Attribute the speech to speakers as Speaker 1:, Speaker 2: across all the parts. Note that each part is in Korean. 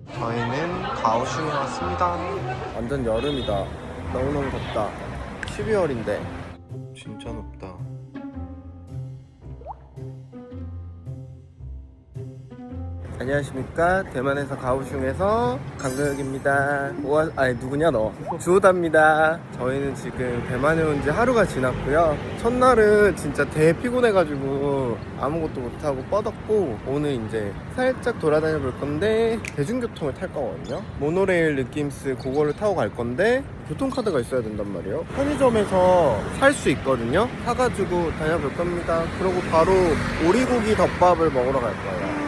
Speaker 1: 저희는 가오슝에 왔습니다. 완전 여름이다. 너무너무 덥다. 12월인데 진짜 높다. 안녕하십니까. 대만에서 가오슝에서 강도혁입니다. 아니 누구냐 너. 주호다입니다. 저희는 지금 대만에 온 지 하루가 지났고요. 첫날은 진짜 대피곤해가지고 아무것도 못하고 뻗었고, 오늘 이제 살짝 돌아다녀 볼 건데 대중교통을 탈 거거든요. 모노레일 느낌스 그거를 타고 갈 건데 교통카드가 있어야 된단 말이에요. 편의점에서 살 수 있거든요. 사가지고 다녀볼 겁니다. 그리고 바로 오리고기 덮밥을 먹으러 갈 거예요.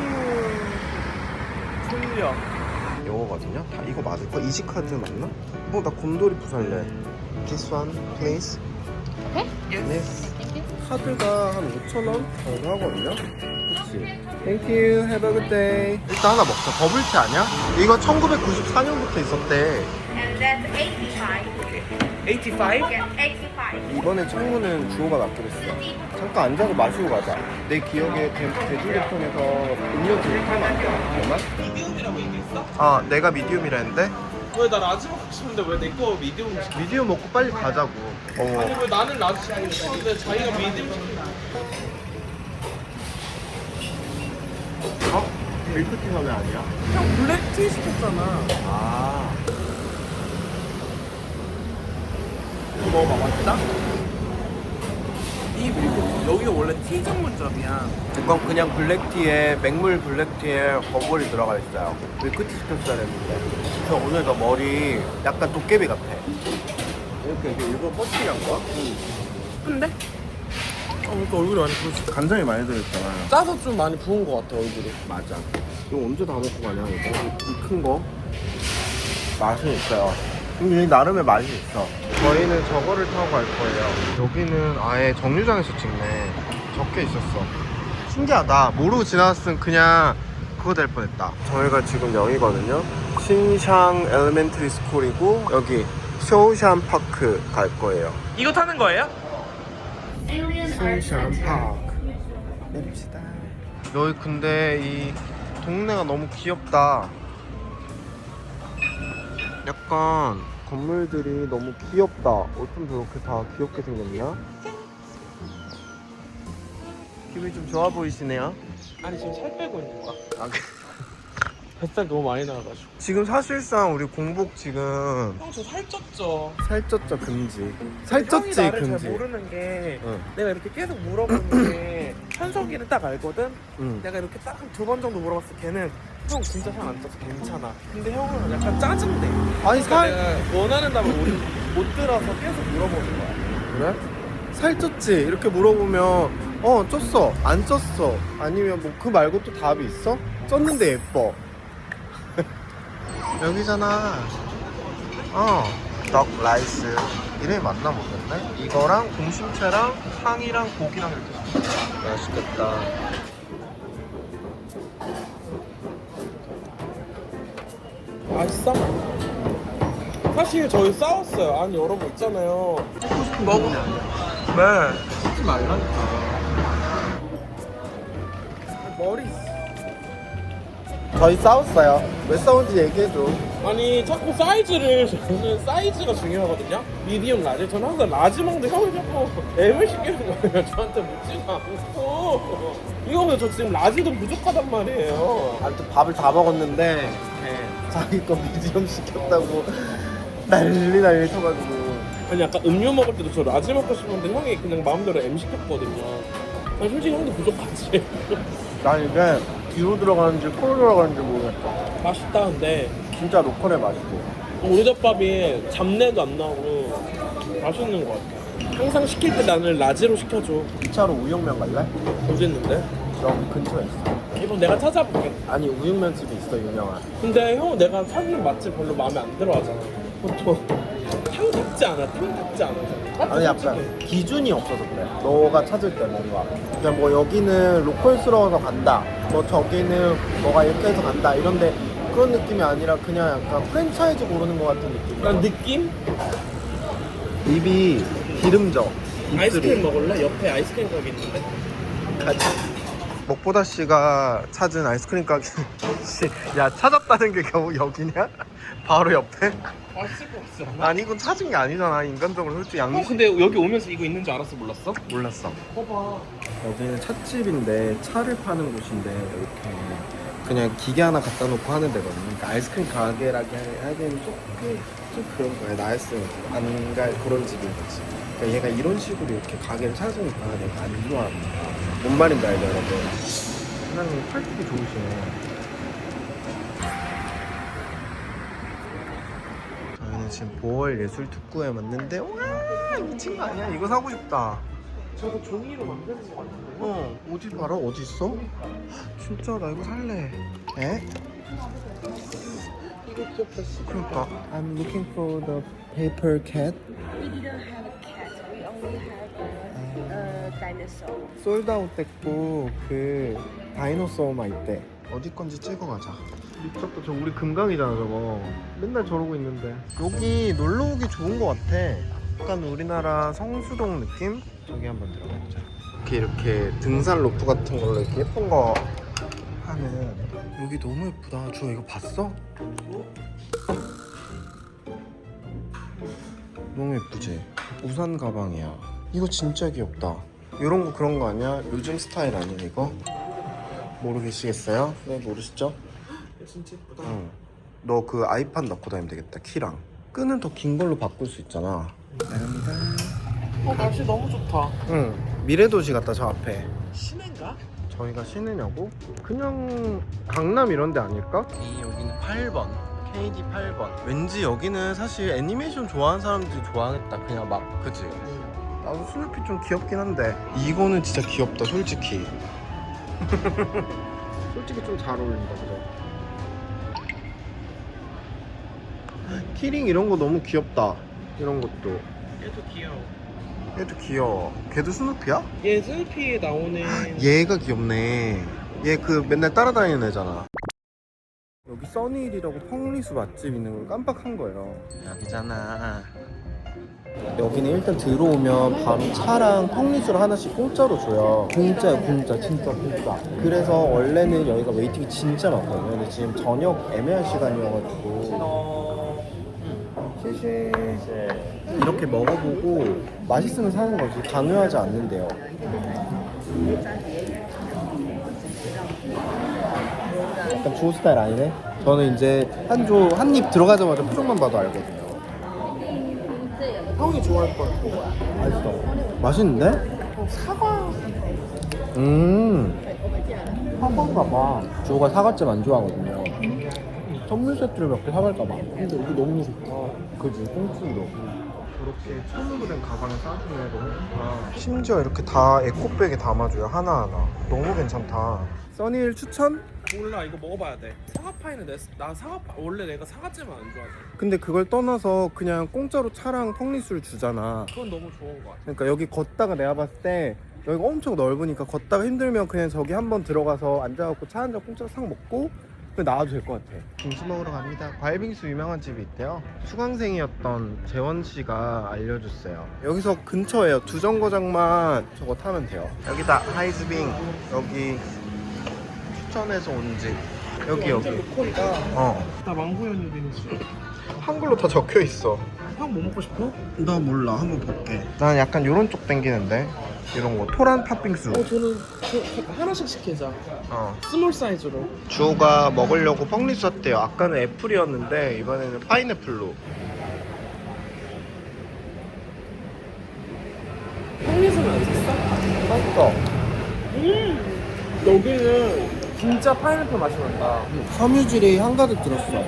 Speaker 1: 요거거든요. 다 이거 맞을까? 이지카드 맞나? 나 곰돌이 부살래. This one, please.
Speaker 2: Okay?
Speaker 1: Yes.
Speaker 2: Thank you.
Speaker 1: 카드가 한 5,000원 정도 하거든요. 그치? Thank you. Have a good day. 일단 하나 먹자. 버블티 아니야? 이거 1994년부터 있었대.
Speaker 3: And that's 85.
Speaker 4: 85?
Speaker 3: Yeah, 85.
Speaker 1: 이번에 창문은 주호가 맡기로 했어. 잠깐 앉아서 마시고 가자. 내 기억에 대중교통에서 음료 들을 타면 안 돼. 정말?
Speaker 4: 미디움이라고 얘기했어?
Speaker 1: 아, 내가 미디움이라 했는데?
Speaker 4: 왜 나 라지 먹고 싶은데 왜 내 거 미디움 시켜?
Speaker 1: 미디움 먹고 빨리 가자고.
Speaker 4: 아니 왜 나는 라지 시키고 싶었는데 자기가 미디움 시키고.
Speaker 1: 밀크티가 왜 아니야?
Speaker 4: 형 블랙티 시켰잖아.
Speaker 1: 아.
Speaker 4: 이거 먹어봐. 맛있다? 이 밀크티 여기가 원래 티 전문점이야.
Speaker 1: 이건 그냥 블랙티에, 맹물 블랙티에 버블이 들어가 있어요. 밀크티 시켰어야 했는데. 저 오늘 너 머리 약간 도깨비 같아. 이렇게 일부러 뻗치게 한 거야?
Speaker 4: 근데? 그러니까 얼굴이 많이 부었어.
Speaker 1: 간장이 많이 들어있잖아.
Speaker 4: 짜서 좀 많이 부은 것 같아 얼굴이.
Speaker 1: 맞아. 이거 언제 다 먹고 가냐, 이거? 이 큰 거? 맛은 있어요. 근데 나름의 맛이 있어. 저희는 저거를 타고 갈 거예요. 여기는 아예 정류장에서 찍네. 적혀 있었어. 신기하다. 모르고 지나갔으면 그냥 그거 될 뻔했다. 저희가 지금 여기거든요. 신샹 엘리멘터리 스쿨이고, 여기 쇼샨 파크 갈 거예요.
Speaker 4: 이거 타는 거예요?
Speaker 1: 쇼샨 파크 내립시다. 여기 근데 이 동네가 너무 귀엽다. 약간 건물들이 너무 귀엽다. 어쩜 저렇게 다 귀엽게 생겼냐? 기분이 좀 좋아 보이시네요.
Speaker 4: 아니 지금 살 빼고 있는 거야.
Speaker 1: 아,
Speaker 4: 뱃살 너무 많이 나와가지고.
Speaker 1: 지금 사실상 우리 공복 지금
Speaker 4: 형 저 살쪘죠?
Speaker 1: 살쪘죠 금지.
Speaker 4: 형이
Speaker 1: 살쪘지
Speaker 4: 나를
Speaker 1: 금지.
Speaker 4: 잘 모르는 게
Speaker 1: 응.
Speaker 4: 내가 이렇게 계속 물어보는 게 현석이는 딱 알거든?
Speaker 1: 응.
Speaker 4: 내가 이렇게 딱 한 2번 정도 물어봤을 때 걔는 형 진짜 살 안 쪄서 괜찮아. 근데 형은 약간 짜증내.
Speaker 1: 아니
Speaker 4: 그러니까 내가 원하는 답을 못 들어서 계속 물어보는 거야.
Speaker 1: 그래? 살쪘지? 이렇게 물어보면 쪘어 안 쪘어 아니면 뭐 그 말고 또 답이 있어? 쪘는데 예뻐. 여기잖아. 덕 라이스 이름이 맞나 모르겠네. 이거랑 공심채랑 상이랑 고기랑 이렇게 섞었다. 맛있겠다.
Speaker 4: 맛있어? 사실 저희 싸웠어요. 아니 여러분 있잖아요. 먹으면
Speaker 1: 네.
Speaker 4: 하지 말라니까. 머리.
Speaker 1: 저희 싸웠어요. 왜 싸운지 얘기해줘.
Speaker 4: 아니 자꾸 사이즈를 저는 사이즈가 중요하거든요. 미디움 라지. 저는 항상 라지 먹는데 형이 자꾸 M을 시키는 거예요. 저한테 묻지도 않고. 이거보다 저 지금 라지도 부족하단 말이에요.
Speaker 1: 아무튼 밥을 다 먹었는데 자기 거 미디엄 시켰다고 난리 쳐가지고.
Speaker 4: 아니 아까 음료 먹을 때도 저 라지 먹고 싶었는데 형이 그냥 마음대로 M 시켰거든요. 아니 솔직히 형도 부족하지.
Speaker 1: 난 이게 뒤로 들어가는지 코로 들어가는지 모르겠어.
Speaker 4: 맛있다 근데
Speaker 1: 진짜 로컬의 맛이고.
Speaker 4: 오리덮밥이 잡내도 안 나고 맛있는 것 같아. 항상 시킬 때 나는 라지로 시켜줘.
Speaker 1: 2차로 우육면 갈래?
Speaker 4: 어디 있는데?
Speaker 1: 여기 근처에 있어.
Speaker 4: 이번 내가 찾아볼게.
Speaker 1: 아니 우육면 집이 있어 유명한.
Speaker 4: 근데 형 내가 사는 맛집 별로 마음에 안 들어 하잖아. 보통 탕답지 않아. 탕답지 않아.
Speaker 1: 아니 약간 기준이 없어서 그래. 너가 찾을 때 뭔가 그냥 뭐 여기는 로컬스러워서 간다, 뭐 저기는 뭐가 이렇게 해서 간다 이런데 그런 느낌이 아니라 그냥 약간 프랜차이즈 고르는 것 같은 느낌.
Speaker 4: 난 느낌?
Speaker 1: 입이 기름져. 입술이.
Speaker 4: 아이스크림 먹을래? 옆에 아이스크림 가게 있는데.
Speaker 1: 가자. 먹보다 씨가 찾은 아이스크림 가게. 야, 찾았다는 게 겨우 여기냐? 바로 옆에?
Speaker 4: 맛있을 것 같지 않아?
Speaker 1: 아니, 이건 찾은 게 아니잖아. 인간적으로 솔직히 양심
Speaker 4: 근데 여기 오면서 이거 있는 줄 알았어? 몰랐어?
Speaker 1: 몰랐어.
Speaker 4: 봐봐.
Speaker 1: 여기는 찻집인데 차를 파는 곳인데 이렇게 그냥 기계 하나 갖다 놓고 하는 데거든요. 그러니까 아이스크림 가게라기 하기에는 좀 그런 거야. 나였으면 안 갈 그런 집인 거지. 그러니까 얘가 이런 식으로 이렇게 가게를 찾으니까 내가 안 좋아합니다. 뭔 말인지 알죠, 여러분? 사장님 팔뚝이 좋으시네. 저희는 지금 보월 예술 특구에 왔는데 와 미친 거 아니야? 이거 사고 싶다.
Speaker 4: 저거 종이로 만드는 거 같은데?
Speaker 1: 어디 봐라? 어디 있어? 진짜 나 이거 살래. 에?
Speaker 4: 이거 귀엽다.
Speaker 1: 그러니까 I'm looking for the paper cat.
Speaker 3: We didn't have a cat. We only have a dinosaur.
Speaker 1: 솔드아웃 됐고 그 다이노소어만 있대. 어디 건지 찍어가자. 미쳤다. 저 우리 금강이잖아 저거. 맨날 저러고 있는데 여기 놀러 오기 좋은 거 같아. 약간 우리나라 성수동 느낌? 저기 한번 들어가보자. 이렇게 등산 로프 같은 걸로 이렇게 예쁜 거 하는. 여기 너무 예쁘다. 주아 이거 봤어? 너무 예쁘지? 우산 가방이야. 이거 진짜 귀엽다. 이런 거 그런 거 아니야? 요즘 스타일 아니야 이거? 모르겠어요? 네 모르시죠?
Speaker 4: 진짜 예쁘다.
Speaker 1: 응. 너 그 아이팟 넣고 다니면 되겠다. 키랑 끈은 더 긴 걸로 바꿀 수 있잖아. 나갑니다.
Speaker 4: 날씨 너무 좋다.
Speaker 1: 응. 미래도시 같다 저 앞에.
Speaker 4: 시내인가?
Speaker 1: 저희가 시내냐고? 그냥 강남 이런 데 아닐까? 여기는 8번 KD 8번. 왠지 여기는 사실 애니메이션 좋아하는 사람들이 좋아하겠다. 그냥 막 그치? 나도 스누피 좀 귀엽긴 한데 이거는 진짜 귀엽다 솔직히. 솔직히 좀 잘 어울린다 그죠? 키링 이런 거 너무 귀엽다. 이런 것도
Speaker 4: 얘도 귀여워.
Speaker 1: 얘도 귀여워. 걔도 스누피야?
Speaker 4: 얘 슬피에 나오는
Speaker 1: 얘가 귀엽네. 얘 그 맨날 따라다니는 애잖아. 여기 써니힐이라고 펑리수 맛집 있는 걸 깜빡한 거예요. 여기잖아. 여기는 일단 들어오면 바로 차랑 펑리수를 하나씩 공짜로 줘요. 공짜야 공짜 진짜 공짜. 그래서 원래는 여기가 웨이팅이 진짜 많거든요. 근데 지금 저녁 애매한 시간이어가지고 시시 이렇게 먹어보고 맛있으면 사는 거지 강요하지 않는데요. 약간 주호 스타일 아니네? 저는 이제 한 입 들어가자마자 표정만 봐도 알거든요.
Speaker 4: 형이 좋아할 것 같아.
Speaker 1: 맛있어. 맛있는데?
Speaker 4: 사과.
Speaker 1: 사과인가 봐. 주호가 사과잼 안 좋아하거든요. 선물 세트를 몇 개 사갈까 봐. 근데 여기 너무 좋다. 그지? 꽁충이로. 이렇게 손으로 된 가방에 싸주네. 너무 좋다. 심지어 이렇게 다 에코백에 담아줘요. 하나하나. 너무 괜찮다. 써니힐 추천?
Speaker 4: 몰라, 이거 먹어봐야 돼. 사과파이는 나 사과파 원래 내가 사과잼을 안 좋아해.
Speaker 1: 근데 그걸 떠나서 그냥 공짜로 차랑 펑리수를 주잖아.
Speaker 4: 그건 너무 좋은 것 같아.
Speaker 1: 그러니까 여기 걷다가 내가 봤을 때 여기가 엄청 넓으니까 걷다가 힘들면 그냥 저기 한번 들어가서 앉아갖고 차 한 잔 공짜로 싹 먹고 그냥 나와도 될 것 같아. 빙수 먹으러 갑니다. 과일빙수 유명한 집이 있대요. 수강생이었던 재원 씨가 알려줬어요. 여기서 근처에요. 두 정거장만 저거 타면 돼요. 여기다 하이즈빙. 여기 추천해서 온 집. 여기.
Speaker 4: 로컬이다. 나 망고 연유 빙수.
Speaker 1: 한글로 다 적혀 있어.
Speaker 4: 형 뭐 먹고 싶어?
Speaker 1: 나 몰라. 한번 볼게. 난 약간 요런 쪽 땡기는데. 이런 거 토란 팥빙수.
Speaker 4: 저는 하나씩 시키자. 스몰 사이즈로.
Speaker 1: 주호가 먹으려고 펑리수 샀대요. 아까는 애플이었는데 이번에는 파인애플로.
Speaker 4: 펑리수는 안 샀어?
Speaker 1: 맛있어.
Speaker 4: 여기는 진짜 파인애플 맛이 난다.
Speaker 1: 섬유질이 한가득 들었어.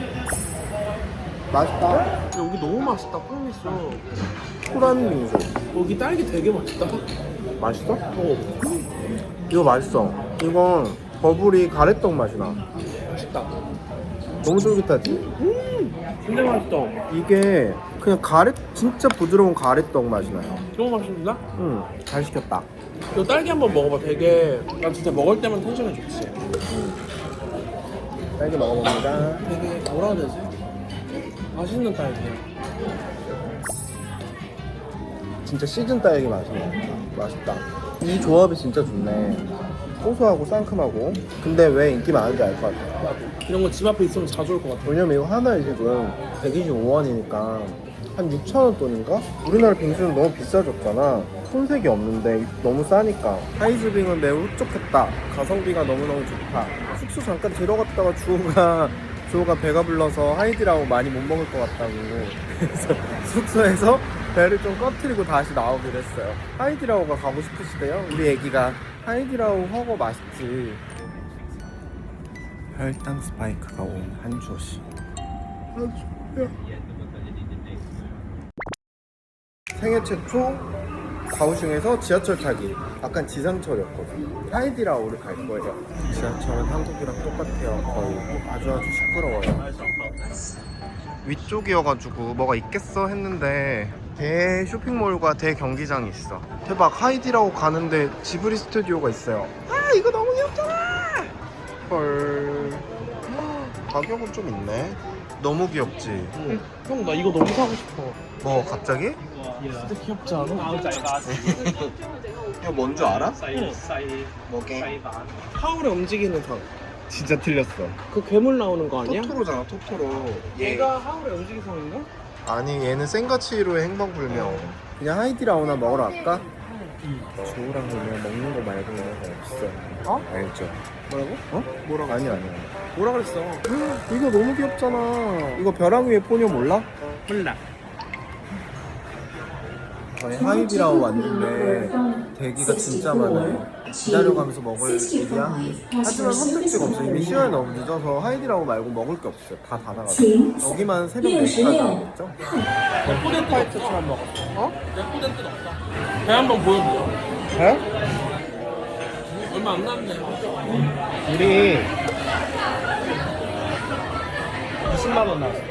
Speaker 1: 맛있다.
Speaker 4: 여기 너무 맛있다, 펑리수.
Speaker 1: 토란 빙수.
Speaker 4: 여기 딸기 되게 맛있다.
Speaker 1: 맛있어? 이거 맛있어. 이건 버블이 가래떡 맛이 나.
Speaker 4: 맛있다.
Speaker 1: 너무 쫄깃하지?
Speaker 4: 진짜 맛있어.
Speaker 1: 이게 그냥 진짜 부드러운 가래떡 맛이 나요.
Speaker 4: 너무 맛있는데?
Speaker 1: 잘 시켰다.
Speaker 4: 너 딸기 한번 먹어봐. 되게 난 진짜 먹을 때만 텐션이 좋지.
Speaker 1: 딸기 먹어봅니다.
Speaker 4: 되게 뭐라 해야 되지? 맛있는 딸기야.
Speaker 1: 진짜 시즌 딸기 맛이네. 맛있다. 이 조합이 진짜 좋네. 고소하고 상큼하고. 근데 왜 인기 많은지 알 것 같아.
Speaker 4: 이런 거 집 앞에 있으면 자주 올 것 같아.
Speaker 1: 왜냐면 이거 하나에 지금 125원이니까 한 6,000원 돈인가? 우리나라 빙수는 너무 비싸졌잖아. 손색이 없는데 너무 싸니까. 하이즈빙은 매우 흡족했다. 가성비가 너무너무 좋다. 숙소 잠깐 들어갔다가 주호가 배가 불러서 하이디라고 많이 못 먹을 것 같다고. 그래서 숙소에서 배를 좀 꺼트리고 다시 나오기로 했어요. 하이디라오가 가고 싶으시대요. 우리 애기가 하이디라오 허거 맛있지. 혈당 스파이크가 온 한주호씨. 생애 최초 가오슝에서 지하철 타기. 약간 지상철이었거든요. 하이디라오를 갈 거예요. 지하철은 한국이랑 똑같아요. 거의 아주 시끄러워요. 위쪽이어가지고 뭐가 있겠어 했는데 대 쇼핑몰과 대 경기장이 있어. 대박. 하이디라오 가는데 지브리 스튜디오가 있어요. 아 이거 너무 귀엽잖아. 헐. 가격은 좀 있네. 너무 귀엽지?
Speaker 4: 형 나 이거 너무 사고 싶어.
Speaker 1: 뭐 갑자기?
Speaker 4: 진짜 귀엽지 않아?
Speaker 1: 이거 뭔 줄 알아?
Speaker 4: 응.
Speaker 1: 뭐게?
Speaker 4: 하울의 움직이는 성.
Speaker 1: 진짜 틀렸어.
Speaker 4: 그 괴물 나오는 거 아니야?
Speaker 1: 토토로잖아 토토로.
Speaker 4: 얘가 하울의 움직이는 성인가?
Speaker 1: 아니 얘는 센가치히로의 행방불명. 그냥 하이디라오나 먹으러 갈까? 주우랑 그냥 먹는 거 말고는 없어.
Speaker 4: 어?
Speaker 1: 알죠?
Speaker 4: 뭐라고?
Speaker 1: 어?
Speaker 4: 뭐라고?
Speaker 1: 아니야.
Speaker 4: 뭐라 그랬어?
Speaker 1: 이거 너무 귀엽잖아. 이거 벼랑 위에 포뇨 몰라?
Speaker 4: 몰라.
Speaker 1: 저희 하이디라오 왔는데 대기가 진짜 많아요. 기다려가면서 먹을 일이야. 하지만 선택지가 없어. 이미 시간이 너무 늦어서 하이디라오 말고 먹을 게 없어요. 다 닫아가지고. 여기만 새벽 4시까지 나오겠죠?
Speaker 4: 레코덴트 화이트처럼 먹었어. 어? 레코덴트는 없다. 배 한번 보여보자.
Speaker 1: 배?
Speaker 4: 얼마 안 남네.
Speaker 1: 우리
Speaker 4: 20만 원 나왔어.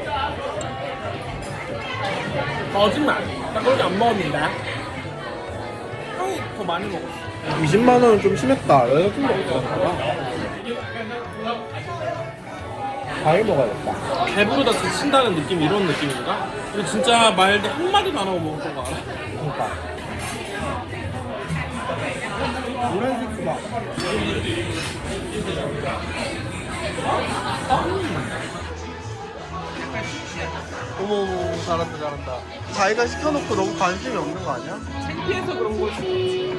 Speaker 4: 거짓말. 나 그렇게 안 먹었는데. 형이 더 많이 먹었어.
Speaker 1: 20만 원은 좀 심했다. 여자친구 없잖아. 과일 먹어야겠다.
Speaker 4: 배부르다 지친다는 느낌 이런 느낌인가? 근데 진짜 말도 한마디도 안 하고 먹었던 거 알아?
Speaker 1: 그러니까. 노란색 수박. 어머 잘한다. 자기가 시켜놓고 너무 관심이 없는 거 아니야?
Speaker 4: 창피해서 그런 거지.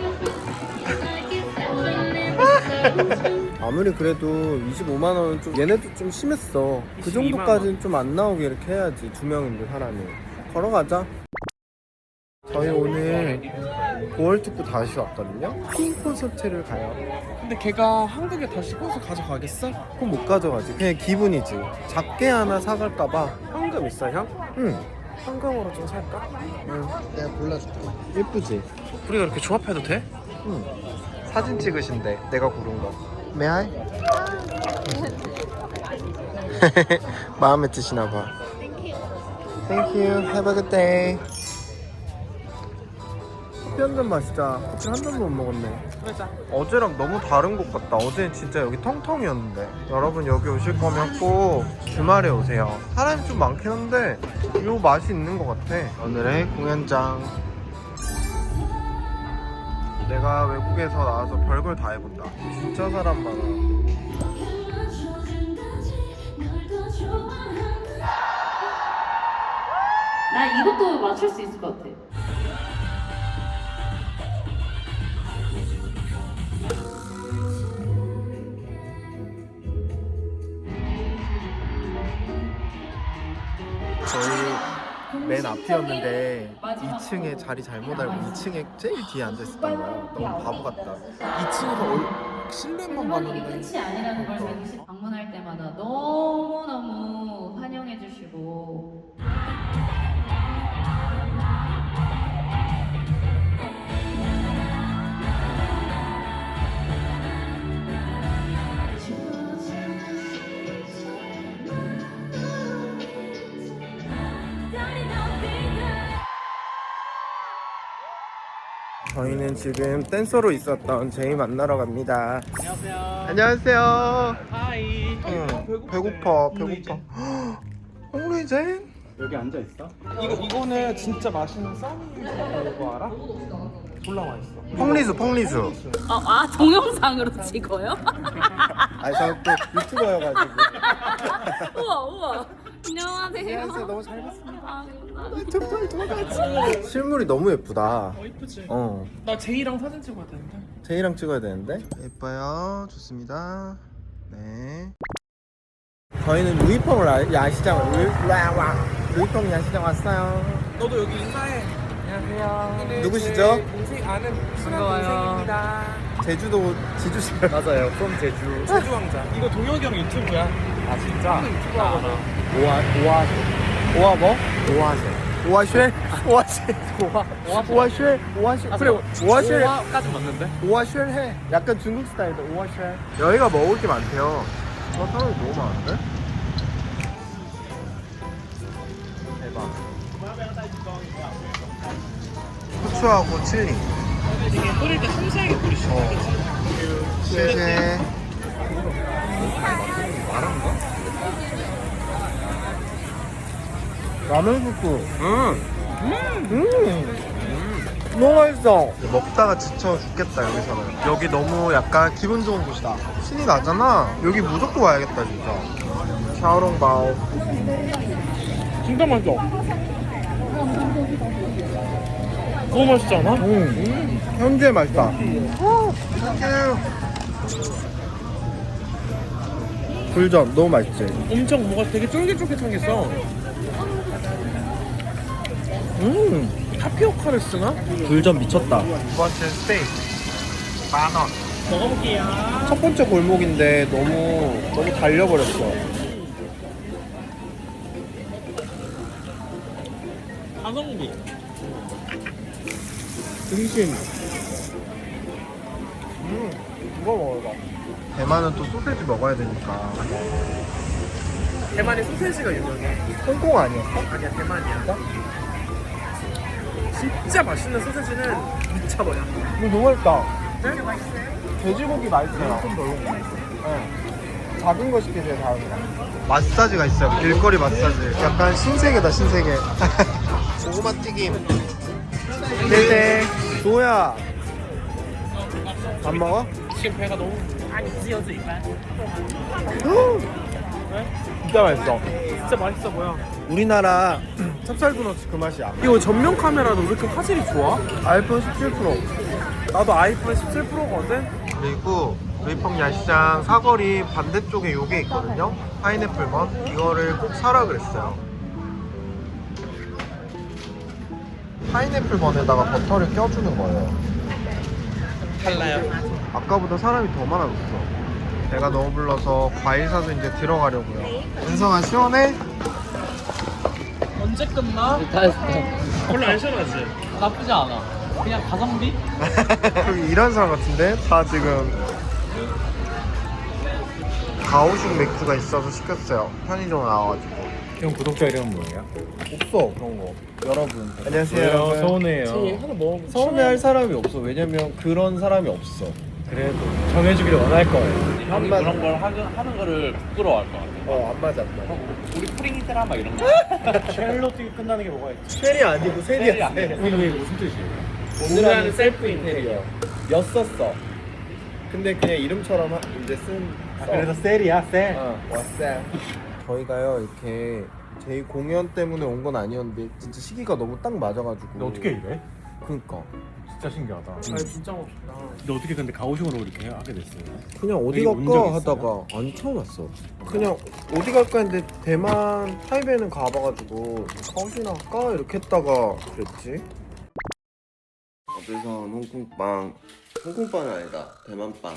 Speaker 1: 아무리 그래도 25만 원은 좀 얘네도 좀 심했어. 그
Speaker 4: 22만
Speaker 1: 정도까지는 좀 안 나오게 이렇게 해야지. 2명인데 사람이. 걸어가자. 저희 오늘 9월 특구 다시 왔거든요. 핑 콘서트를 가요.
Speaker 4: 근데 걔가 한국에 다시 씻어서 가져가겠어?
Speaker 1: 그럼 못 가져가지. 그냥 기분이지. 작게 하나 사갈까봐.
Speaker 4: 현금 있어 형?
Speaker 1: 응.
Speaker 4: 현금으로 좀 살까?
Speaker 1: 응. 내가 골라줄게. 예쁘지?
Speaker 4: 우리가 이렇게 조합해도 돼?
Speaker 1: 응. 사진 찍으신대. 내가 고른 거. 메아이? 마음에 드시나 봐. Thank you. Have a good day. 커피 한 잔 마시자. 커피 한 잔도 못 먹었네.
Speaker 4: 그러자.
Speaker 1: 어제랑 너무 다른 곳 같다. 어제는 진짜 여기 텅텅이었는데. 여러분 여기 오실 거면 꼭 주말에 오세요. 사람이 좀 많긴 한데 요 맛이 있는 것 같아. 오늘의 공연장. 내가 외국에서 나와서 별걸 다 해본다. 진짜 사람 많아.
Speaker 2: 나 이것도 맞출 수 있을 것 같아.
Speaker 1: 저희 맨 앞이었는데 2층에 자리 잘못 알고 2층에 제일 뒤에 앉아있었던 거야. 너무 바보 같다.
Speaker 4: 2층에서 실내만
Speaker 2: 멤버들이
Speaker 4: 봤는데.
Speaker 2: 끝이 아니라는 걸 저희 방문할 때마다 너무너무 환영해 주시고
Speaker 1: 저희는 지금 댄서로 있었던 제이 만나러 갑니다.
Speaker 4: 안녕하세요.
Speaker 1: 안녕하세요.
Speaker 4: 하이.
Speaker 1: 응, 배고파. 홍루이젠?
Speaker 5: 여기 앉아 있어?
Speaker 4: 이거는 진짜 맛있는 써니 이거 알아? 졸라 맛있어.
Speaker 1: 펑리수.
Speaker 2: 동영상으로 찍어요?
Speaker 1: 아니 저 또 유튜버여가지고.
Speaker 2: 우와. 안녕하세요.
Speaker 1: 안녕하세요. 너무 잘 봤습니다.
Speaker 2: 아,
Speaker 1: 정말 도망가지. 실물이 너무 예쁘다.
Speaker 4: 이쁘지?
Speaker 1: 어.
Speaker 4: 나 제이랑 사진 찍어야 되는데.
Speaker 1: 제이랑 찍어야 되는데. 예뻐요. 좋습니다. 네. 저희는 루이펑 야시장 루이펑 야시장 왔어요.
Speaker 4: 너도 여기 인사해. 안녕하세요.
Speaker 1: 누구시죠?
Speaker 4: 동생 아는 친한 동생입니다.
Speaker 1: 제주도 지주시.
Speaker 5: 맞아요. from 제주.
Speaker 4: 제주 왕자. 이거 동혁이 형 유튜브야.
Speaker 5: 아 진짜?
Speaker 4: 유튜브 하거나.
Speaker 1: 오아 뭐? 오아쉐. 그래 오아쉐.
Speaker 5: 오화까지 맞는데?
Speaker 1: 오아쉐 해. 약간 중국 스타일도 오아쉐. 여기가 먹을 게 많대요. 사람이 너무 많은데? 대박. 후추하고 칠리.
Speaker 4: 되게 뿌릴 때 섬세하게 뿌리시죠.
Speaker 1: 쉐쉐. 라면 국수. 너무 맛있어. 먹다가 지쳐 죽겠다 여기서는. 여기 너무 약간 기분 좋은 곳이다. 신이 나잖아. 여기 무조건 와야겠다 진짜. 샤오롱바오.
Speaker 4: 진짜 맛있어. 너무 맛있지 않아?
Speaker 1: 현재 맛있다. 굴전 너무 맛있지.
Speaker 4: 엄청 뭐가 되게 쫄깃쫄깃하겠어. 타피오카를 쓰나?
Speaker 1: 굴전 미쳤다. 두 번째 스테이크 10,000원.
Speaker 4: 먹어볼게요.
Speaker 1: 첫 번째 골목인데 너무 달려버렸어.
Speaker 4: 가성비.
Speaker 1: 등심. 이거 먹어봐. 대만은 또 소세지 먹어야 되니까.
Speaker 4: 대만의 소세지가 유명해.
Speaker 1: 홍콩 아니었어?
Speaker 4: 아니야, 대만이야. 진짜 맛있는 소세지는 미쳐버려.
Speaker 1: 이거 너무 맛있다.
Speaker 4: 되게 맛있어요.
Speaker 1: 돼지고기 맛있어요. 네. 작은 거 시키세요, 다음에. 마사지가 있어요. 길거리 마사지. 약간 신세계다, 신세계. 고구마 튀김. 네네. 조야. 안 먹어?
Speaker 4: 지금 배가 너무
Speaker 1: 진짜 맛있어.
Speaker 4: 진짜 맛있어 보여.
Speaker 1: 우리나라 찹쌀도너츠 그 맛이야.
Speaker 4: 이거 전면 카메라도 왜 이렇게 화질이 좋아?
Speaker 1: 아이폰 17 프로.
Speaker 4: 나도 아이폰 17 프로거든.
Speaker 1: 그리고 루이펑 야시장 사거리 반대쪽에 요게 있거든요. 파인애플 먼. 이거를 꼭 사라 그랬어요. 파인애플 먼에다가 버터를 껴주는 거예요.
Speaker 4: 달라요.
Speaker 1: 아까보다 사람이 더 많아졌어. 배가 너무 불러서 과일 사서 이제 들어가려고요. 은성아 시원해?
Speaker 4: 언제 끝나? 별로 안 시원하지?
Speaker 5: 나쁘지 않아. 그냥 가성비?
Speaker 1: 여기 일하는 사람 같은데? 다 지금 가오슝 맥주가 있어서 시켰어요. 편의점 나와가지고.
Speaker 5: 형 구독자 이름은 뭐예요?
Speaker 1: 없어 그런 거. 여러분 안녕하세요.
Speaker 5: 왜요? 서운해요.
Speaker 4: 하나 먹으면
Speaker 1: 서운해할 사람이 없어. 왜냐면 그런 사람이 없어.
Speaker 5: 그래도 정해주기를 원할 거예요.
Speaker 1: 형이 그런
Speaker 5: 걸 하는 거를 부끄러워할 것 같아.
Speaker 1: 안 맞아 안 맞아.
Speaker 5: 우리 프링이 드라마 이런 거. 쉘로 뛰기 끝나는 게 뭐가 있지?
Speaker 1: 셀이 아니고 셀이야.
Speaker 5: 이게 무슨 뜻이에요?
Speaker 1: 오늘 하는 셀프 인테리어 였었어. 근데 그냥 이름처럼 이제
Speaker 5: 그래서 셀이야, 셀.
Speaker 1: 왔어요. 저희가요 이렇게 저희 공연 때문에 온 건 아니었는데 진짜 시기가 너무 딱 맞아가지고.
Speaker 5: 너 어떻게 이래?
Speaker 1: 그니까
Speaker 5: 진짜 신기하다.
Speaker 4: 아니 진짜 멋있다.
Speaker 5: 너 어떻게 근데 가오슝으로 이렇게 하게 됐어요?
Speaker 1: 그냥 어디
Speaker 5: 여기 온적
Speaker 1: 갈까
Speaker 5: 있어요?
Speaker 1: 하다가 아니 처음 왔어. 그냥 어디 갈까 했는데 대만 타이베이는 가봐가지고 가오슝이나 갈까 이렇게 했다가 그랬지. 어디서 홍콩빵. 홍콩빵은 아니다. 대만빵.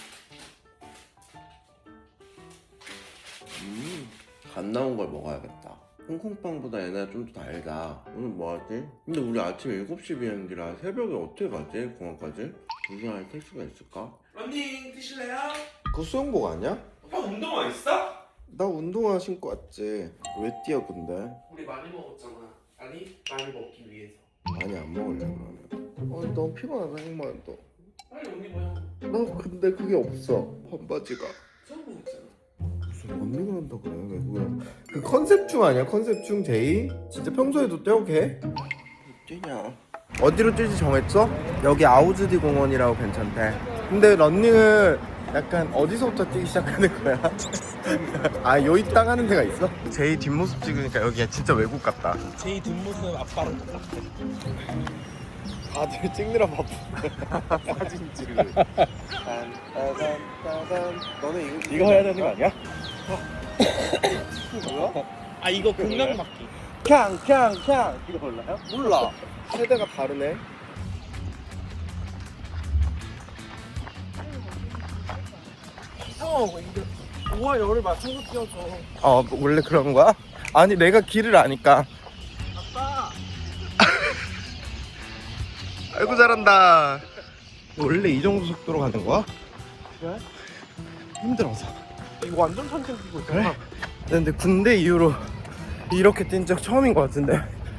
Speaker 1: 갓 나온 걸 먹어야겠다. 홍콩빵보다 얘네가 좀 더 달다. 오늘 뭐 하지? 근데 우리 아침 7시 비행기라 새벽에 어떻게 가지? 공항까지? 무슨 할 택시가 있을까?
Speaker 4: 런닝 뛰실래요?
Speaker 1: 그거 수영복 아니야?
Speaker 4: 형 운동화 있어?
Speaker 1: 나 운동화 신고 왔지. 왜 뛰어 근데?
Speaker 4: 우리 많이 먹었잖아. 아니 많이 먹기 위해서.
Speaker 1: 많이 안 먹을래 그러면. 너무 피곤하다 형만 또.
Speaker 4: 빨리 옷 입어요.
Speaker 1: 나 근데 그게 없어. 반바지가.
Speaker 4: 처음 먹었잖아.
Speaker 1: 무슨 런닝을 한다 그래 외국인. 그 컨셉충 아니야? 컨셉충 제이? 진짜 평소에도 떼어게? 뛰냐? 어디로 뛸지 정했어? 여기 아우즈디 공원이라고 괜찮대. 근데 런닝을 약간 어디서부터 뛰기 시작하는 거야? 아, 요이 땅 하는 데가 있어? 제이 뒷모습 찍으니까 여기가 진짜 외국 같다.
Speaker 4: 제이 뒷모습 아빠랑 똑같아.
Speaker 1: 다들 찍느라 바쁘. 사진 찍을. 너는
Speaker 5: 이거 해야 되는 거 아니야?
Speaker 1: 뭐야?
Speaker 4: 아 이거 공략맞기.
Speaker 1: 캉캉캉
Speaker 5: 이거 몰라요?
Speaker 1: 몰라. 세대가 다르네.
Speaker 4: 형 이거 5와 열을 맞춰서 뛰어줘.
Speaker 1: 원래 그런 거야? 아니 내가 길을 아니까.
Speaker 4: 아빠.
Speaker 1: 아이고 잘한다. 원래 이 정도 속도로 가는 거야?
Speaker 4: 그래?
Speaker 1: 힘들어서.
Speaker 4: 이거 완전 천천히 뛰고 있잖아.
Speaker 1: 그래? 근데 군대 이후로 이렇게 뛴 적 처음인 것 같은데.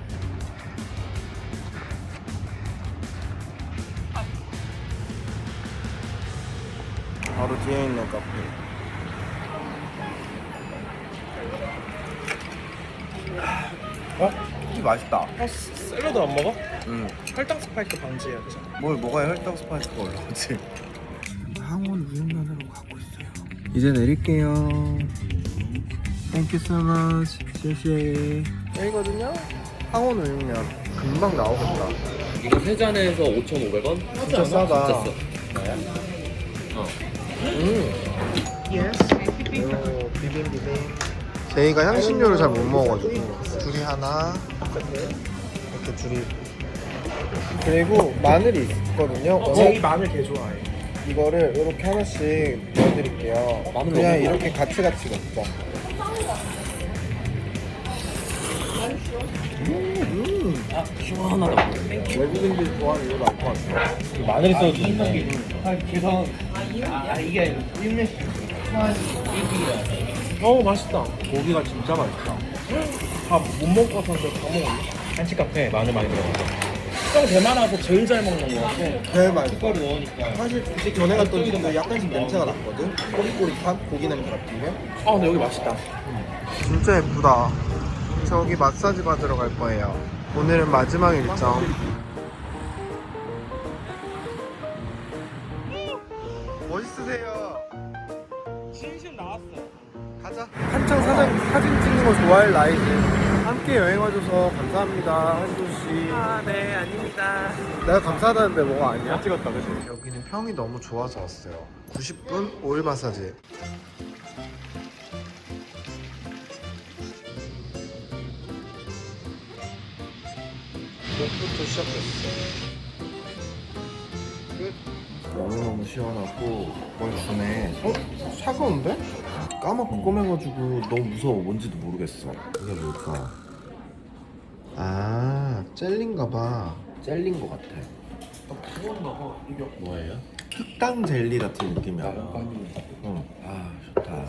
Speaker 1: 바로 뒤에 있는 카페. 이 맛있다.
Speaker 4: 샐러드 안 먹어?
Speaker 1: 응.
Speaker 4: 혈당 스파이크 방지해야지.
Speaker 1: 뭘 먹어야 혈당 스파이크가 올라오지? 항원 우육면으로 가고 있어요. 이제 내릴게요. Thank you so much.谢谢. 여기거든요. 항원 우육면 금방 나오겠다.
Speaker 6: 이거 세 잔에서 5,500원?
Speaker 1: 진짜 싸다.
Speaker 6: 진짜 싸.
Speaker 1: 비빔. 제이가 향신료를 잘 못 먹어가지고 둘이 하나 이렇게 둘이. 그리고 마늘이 있거든요.
Speaker 4: 제이 마늘 개 좋아해.
Speaker 1: 이거를 이렇게 하나씩 넣어드릴게요.
Speaker 6: 마늘
Speaker 1: 그냥
Speaker 6: 넣는
Speaker 1: 이렇게 같이 먹자.
Speaker 6: 시원하다.
Speaker 1: 외국인들이 좋아하는 이유가 알것 같아.
Speaker 5: 마늘이 써도 좋네.
Speaker 4: 맛있다.
Speaker 5: 고기가 진짜 맛있다.
Speaker 4: 다 못 먹을 것 같았는데 다 먹었네.
Speaker 5: 한식 카페 마늘 많이 들어가서.
Speaker 4: 형 대만에서 제일 잘 먹는 거 같아.
Speaker 1: 제일 맛있어.
Speaker 5: 숟가루 넣으니까.
Speaker 1: 사실 그때 전에 갔던 집도 약간씩 냄새가 났거든. 꼬릿꼬릿한 고기 냄새 같은 게.
Speaker 4: 아 근데 여기 맛있다.
Speaker 1: 진짜 예쁘다. 저기 마사지 받으러 갈 거예요. 오늘은 마지막 일정. 멋있으세요.
Speaker 4: 신신 나왔어.
Speaker 1: 가자. 한창 사진 찍는 거 좋아할 나이지. 함께 여행 와줘서 감사합니다, 한조씨.
Speaker 4: 네 아닙니다.
Speaker 1: 내가 감사하다는데 뭐가 아니야?
Speaker 5: 찍었다 그지?
Speaker 1: 여기는 평이 너무 좋아서 왔어요. 90분 오일 마사지. 목부터 시작했어. 끝. 너무너무 시원하고 뭘 주네. 차가운데? 까맣고 꼬매가지고 너무 무서워. 뭔지도 모르겠어. 이게 뭘까? 아, 젤리인가봐. 젤리인 것 같아. 뭐예요? 흑당 젤리 같은 느낌이야. 응. 아, 좋다.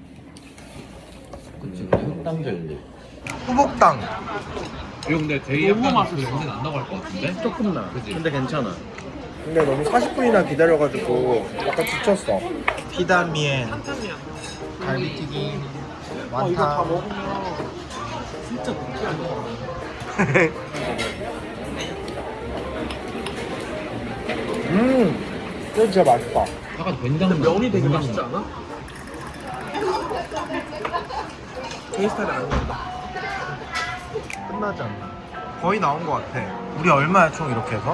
Speaker 1: 그치, 흑당 젤리. 후복당.
Speaker 6: 이거 근데 되게 약간 그 냄새 난다고 할 것 같은데?
Speaker 4: 조금 나.
Speaker 6: 그치?
Speaker 5: 근데 괜찮아.
Speaker 1: 근데 너무 40분이나 기다려가지고 약간 지쳤어. 피다미엔,
Speaker 4: 한탄이야.
Speaker 1: 갈비튀김,
Speaker 4: 아 이거 다
Speaker 1: 완탕.
Speaker 4: 먹으면 진짜 느끼한 거.
Speaker 1: 이거 진짜 맛있다.
Speaker 6: 약간 된장
Speaker 4: 면이 되게 맛있지 않아? 제 스타일이 아닌다.
Speaker 1: 끝나지 않나? 거의 나온 것 같아. 우리 얼마야 총 이렇게 해서?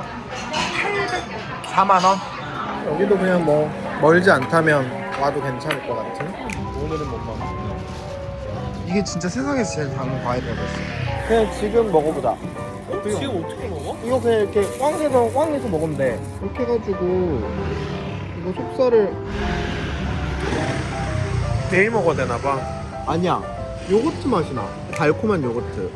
Speaker 1: 4만 원? 여기도 그냥 뭐 멀지 않다면 와도 괜찮을 것 같은? 오늘은 못 먹어. 이게 진짜 세상에서 제일 작은 과일이라고 했어. 그냥 지금 먹어보자.
Speaker 4: 지금 어떻게 먹어?
Speaker 1: 이거 그냥 이렇게 꽝 해서 먹으면 돼. 이렇게 해가지고 이거 속살을
Speaker 4: 내일 먹어야 되나 봐.
Speaker 1: 아니야. 요거트 맛이 나. 달콤한 요거트.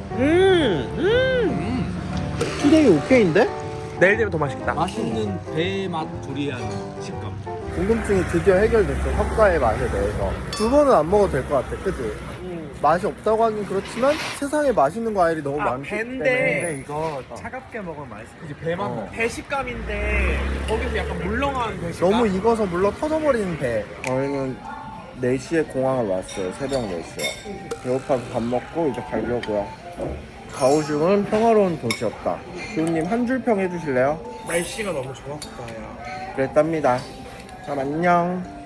Speaker 1: 투데이 오케이인데?
Speaker 4: 내일 되면 더 맛있겠다.
Speaker 5: 맛있는 배맛 두리안 식감.
Speaker 1: 궁금증이 드디어 해결됐어. 석가의 맛에 대해서. 두 번은 안 먹어도 될 것 같아. 그치? 맛이 없다고 하긴 그렇지만 세상에 맛있는 과일이 너무 많기
Speaker 4: 배인데.
Speaker 1: 때문에.
Speaker 5: 근데 이거 차갑게 먹으면 맛있어.
Speaker 4: 이제 배만
Speaker 1: 어.
Speaker 4: 배식감인데 거기서 약간 물렁한 배식감.
Speaker 1: 너무 익어서 물러 터져버리는 배. 저희는 4시에 공항을 왔어요. 새벽 4시에. 배고파서 밥 먹고 이제 가려고요. 가오슝은 평화로운 도시였다. 주호님 한 줄 평 해주실래요?
Speaker 4: 날씨가 너무 좋았다 야.
Speaker 1: 그랬답니다. 그럼 안녕.